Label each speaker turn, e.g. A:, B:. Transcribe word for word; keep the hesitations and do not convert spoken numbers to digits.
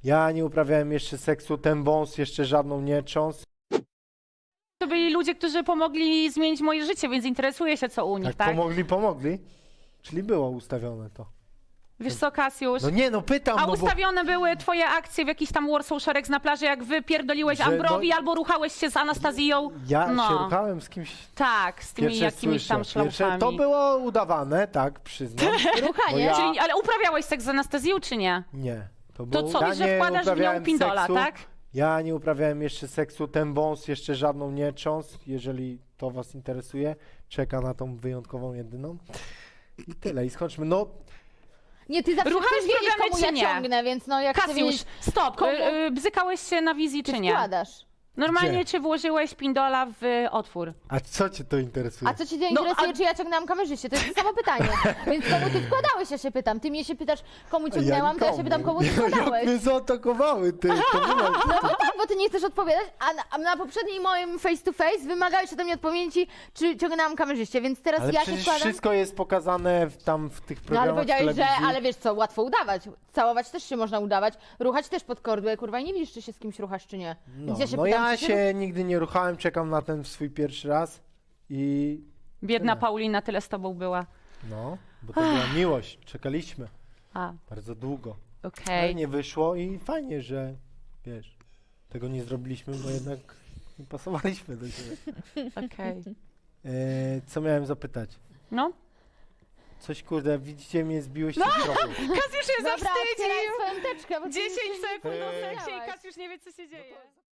A: Ja nie uprawiałem jeszcze seksu, ten wąs jeszcze żadną nie cząs.
B: To byli ludzie, którzy pomogli zmienić moje życie, więc interesuję się, co u nich,
A: Tak,
B: tak?
A: pomogli, pomogli. Czyli było ustawione to.
B: Wiesz co, Kasiusz?
A: No nie, no pytam,
B: A
A: no bo...
B: ustawione były twoje akcje w jakiś tam Warsaw Szereg na plaży, jak wy pierdoliłeś
A: Że,
B: Ambrowi
A: no-
B: albo ruchałeś się z Anastazją?
A: Ja
B: no.
A: się ruchałem z kimś...
B: Tak, z tymi
A: Pierwsze
B: jakimiś tam
A: słyszę. Pierwsze,
B: szlaufami.
A: to było udawane, tak, przyznam. Bo
C: Ruchanie.
A: ja...
B: Czyli, ale uprawiałeś seks z Anastazją, czy nie?
A: Nie. To,
B: To
A: było...
B: co,
A: ja
B: że
A: nie
B: wkładasz w nią
A: uprawiałem
B: pindola,
A: seksu.
B: tak?
A: Ja nie uprawiałem jeszcze seksu, ten wąs jeszcze żadną nie cząs, jeżeli to was interesuje. Czeka na tą wyjątkową jedyną. I tyle, i skończmy. No,
C: Nie, ty zawsze
B: Ruchałeś
C: chcesz wiedzieć,
B: programy,
C: komu
B: czy
C: ja
B: nie?
C: ciągnę, więc no jak chcę
B: Kasiusz,
C: wiedzieć,
B: stop,
C: komu-
B: y, y, bzykałeś się na wizji,
C: czy
B: czy nie?
C: wkładasz.
B: Normalnie,
A: Gdzie?
B: czy włożyłeś pindola w otwór?
A: a co cię to interesuje?
C: A co cię nie
B: No,
C: interesuje,
B: a-
C: czy ja ciągnęłam kamerzyście? To jest to samo pytanie. Więc komu ty wkładałeś, ja się pytam. Ty mnie się pytasz, komu ciągnęłam, to ja się pytam, komu ty
A: Jak
C: wkładałeś.
A: mnie zaatakowały, ty. To było...
C: No bo tak, bo ty nie chcesz odpowiadać, a na, a na poprzednim moim face to face wymagałeś ode mnie odpowiedzi, czy ciągnęłam kamerzyście, więc teraz
A: Ale
C: ja się
A: przecież
C: wkładam.
A: wszystko jest pokazane w, tam w tych
C: No
A: programach
C: ale powiedziałeś, że,
A: telewizji.
C: ale wiesz co, łatwo udawać. Całować też się można udawać, ruchać też pod kordłę, kurwa, i nie widzisz, czy się z kimś ruchasz, czy nie.
A: No,
C: Więc ja się
A: no
C: pytam,
A: ja
C: czy
A: się nigdy nie ruchałem, czekam na ten swój pierwszy raz i
B: Biedna
A: Tyle.
B: Paulina tyle z tobą była.
A: no, bo to była miłość, czekaliśmy
B: A,
A: bardzo długo.
B: okej.
A: Ale nie wyszło i fajnie, że wiesz, tego nie zrobiliśmy, bo jednak nie pasowaliśmy do siebie.
B: Okej.
A: E, co miałem zapytać?
B: No.
A: Coś kurde, widzicie mnie, zbiłeś się z tropu.
B: Kasiusz się
C: Dobra, otwieraj swoją teczkę, bo ty
B: dziesięć
C: już się
B: sekund
A: Eee.
B: o seksie i
C: powiedziałaś.
B: Kasiusz nie wie, co się dzieje.